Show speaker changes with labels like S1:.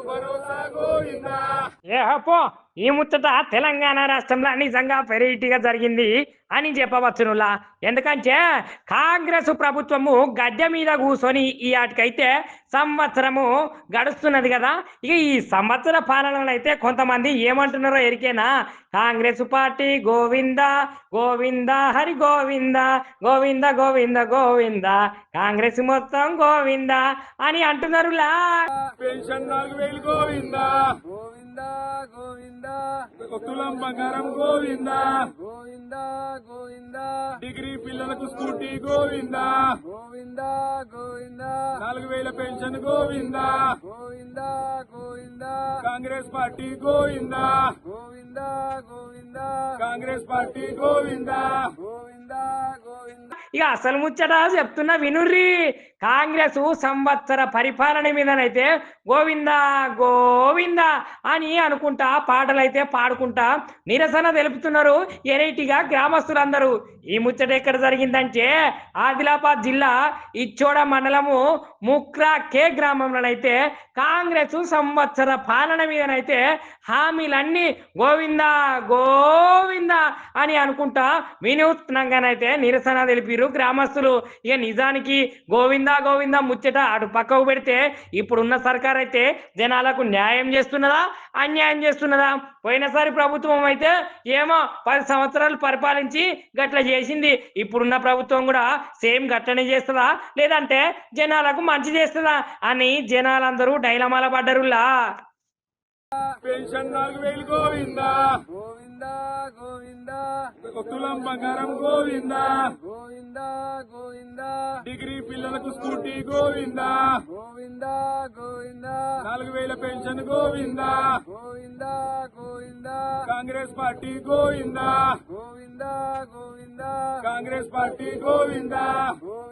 S1: ఏ పో ఈ ముచ్చట తెలంగాణ రాష్ట్రంలో నిజంగా వెరైటీగా జరిగింది అని చెప్పవచ్చునులా. ఎందుకంటే కాంగ్రెస్ ప్రభుత్వము గద్దె మీద కూర్చొని ఈ ఆటికైతే సంవత్సరము గడుస్తున్నది కదా. ఇక ఈ సంవత్సర పాలనలో అయితే కొంతమంది ఏమంటున్నారో ఎరికేనా, కాంగ్రెస్ పార్టీ గోవింద గోవింద హరి గోవింద గోవింద గోవింద గోవింద కాంగ్రెస్ మొత్తం గోవింద అని అంటున్నారులా.
S2: పెన్షన్ 4000 గోవింద గోవింద గోవింద, తులం బంగారం గోవింద గోవింద గోవింద, డిగ్రీ పిల్లలకు scooty Govinda Govinda Govinda, 4000 pension Govinda Govinda Govinda, Congress party Govinda Govinda Govinda, Congress party Govinda Govinda Govinda.
S1: ఇక అసలు ముచ్చట చెప్తున్నా వినుర్రి. కాంగ్రెస్ సంవత్సర పరిపాలన మీదనైతే గోవింద గోవింద అని అనుకుంటా పాటలైతే పాడుకుంటా నిరసన తెలుపుతున్నారు ఎరైటీగా గ్రామస్తులందరూ. ఈ ముచ్చట ఎక్కడ జరిగిందంటే ఆదిలాబాద్ జిల్లా ఇచ్చోడ మండలము ముక్రా కే గ్రామంలోనైతే కాంగ్రెస్ సంవత్సర పాలన మీదనైతే హామీలన్నీ గోవింద గోవింద అని అనుకుంటా వినూత్నంగానైతే నిరసన తెలిపిరు గ్రామస్తులు. ఇక నిజానికి గోవింద గోవింద ముచ్చట అటు పక్కకు పెడితే ఇప్పుడున్న సర్కార్ అయితే జనాలకు న్యాయం చేస్తున్నదా అన్యాయం చేస్తున్నదా? పోయినసారి ప్రభుత్వం అయితే ఏమో 10 సంవత్సరాలు పరిపాలించి గట్ల చేసింది. ఇప్పుడున్న ప్రభుత్వం కూడా సేమ్ గట్లనే చేస్తుందా లేదంటే జనాలకు మంచి చేస్తుందా అని జనాలందరూ డైలమాల పడ్డరులా.
S2: పెన్షన్ 4000 గోవింద గోవింద గోవింద, తులం బంగారం గోవింద గోవింద గోవింద, డిగ్రీ పిల్లలకు scooty Govinda Govinda Govinda, 4000 pension Govinda Govinda Govinda, Congress party Govinda Govinda Govinda, Congress party Govinda.